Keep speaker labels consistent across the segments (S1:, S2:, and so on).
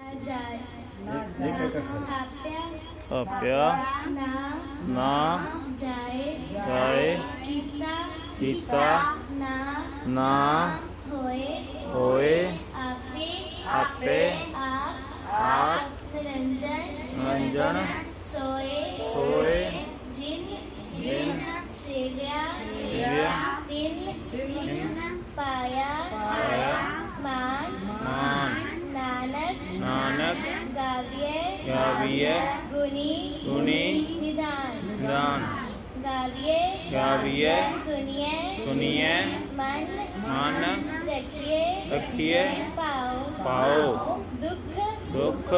S1: ਜਾਏ
S2: ਇੱਕ ਇੱਕ ਅੱਖਰ
S1: ਆਪਿਆ
S3: ਆਪਿਆ
S1: ਨਾ
S3: ਨਾ
S1: ਜਾਏ
S3: ਜਾਏ
S1: ਕੀਤਾ
S3: ਕੀਤਾ
S1: ਨਾ
S3: ਨਾ
S1: ਹੋਏ
S3: ਹੋਏ
S1: ਆਪੇ
S3: ਆਪੇ
S1: ਆਪ ਨਿਰੰਜਨ
S3: ਸੋਏ
S1: ਜਿਨ
S3: ਜਿਨ
S1: ਸੇਵਿਆ ਤਿਨ ਪਾਇਆ ਮਾਨ ਨਾਨਕ ਗਾਵੀਏ ਗੁਣੀ ਨਿਦਾਨ ਗਾਵੀਏ ਸੁਨੀਏ ਮਨ ਰਖੀਏ ਪਾਓ ਦੁੱਖ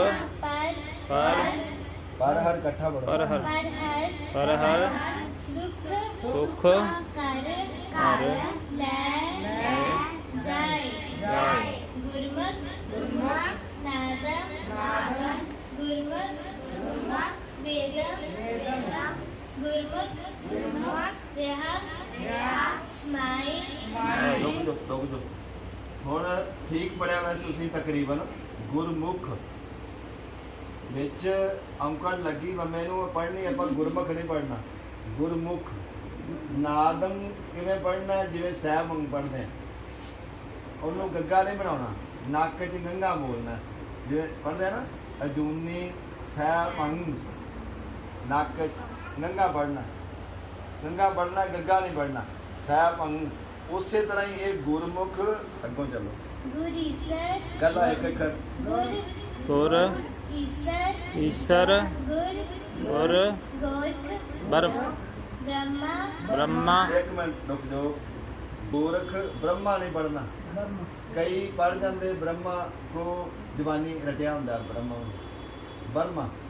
S2: ਪਰ ਹਰ ਇਕੱਠਾ ਪੜੋ
S3: ਪਰ ਹਰ ਸੁਖ
S1: ਕਰ ਲੈ ਜਾਏ ਗੁਰਮੁਖ ਨਾਦਮ ਗੁਰਮੁਖ ਵੇਦਮ ਗੁਰਮੁਖ ਵਿਆਹ ਸਮਾਈ
S2: ਰੁਕ ਜਾਓ ਹੁਣ ਠੀਕ ਪੜਿਆ ਵੈ ਤੁਸੀਂ ਤਕਰੀਬਨ ਗੁਰਮੁਖ ਵਿੱਚ ਔਂਕੜ ਲੱਗੀ ਮੈਨੂੰ ਪੜ੍ਹਨੀ ਆਪਾਂ ਗੁਰਮੁਖ ਨਹੀਂ ਪੜ੍ਹਨਾ ਗੁਰਮੁਖ ਨਾਦਮ ਕਿਵੇਂ ਪੜ੍ਹਨਾ ਜਿਵੇਂ ਸਹਿ ਮੰਗ ਪੜ੍ਹਦੇ ਉਹਨੂੰ ਗੱਗਾ ਨਹੀਂ ਬਣਾਉਣਾ ਨੱਕ 'ਚ ਗੰਗਾ ਬੋਲਣਾ ਜਿਵੇਂ ਪੜ੍ਹਦੇ ਆ ਨਾ ਅਜੂਨੀ ਸਹਿ ਮੰਗ ਨੱਕ 'ਚ ਗੰਗਾ ਪੜ੍ਹਨਾ ਗੱਗਾ ਨਹੀਂ ਪੜ੍ਹਨਾ ਸਹਿ ਮੰਗ ਉਸੇ ਤਰ੍ਹਾਂ ਹੀ ਇਹ ਗੁਰਮੁਖ ਅੱਗੋਂ ਚੱਲੋ
S1: ਗੁਰੀਸਰ
S2: ਗੱਲਾਂ ਇੱਕ ਅੱਖਰ
S3: ਗੁਰ ਈਸਰ ਗੁਰ ਬ੍ਰਹਮਾ
S2: ਇੱਕ ਮਿੰਟ ਰੁਕ ਜਾਓ ਗੋਰਖ ਬ੍ਰਹਮਾ ਨਹੀਂ ਪੜ੍ਹਨਾ ਕਈ ਪੜ੍ਹ ਜਾਂਦੇ ਬ੍ਰਹਮਾ ਕੋ ਦੀਵਾਨੀ ਰਟਿਆ ਹੁੰਦਾ ਬ੍ਰਹਮਾ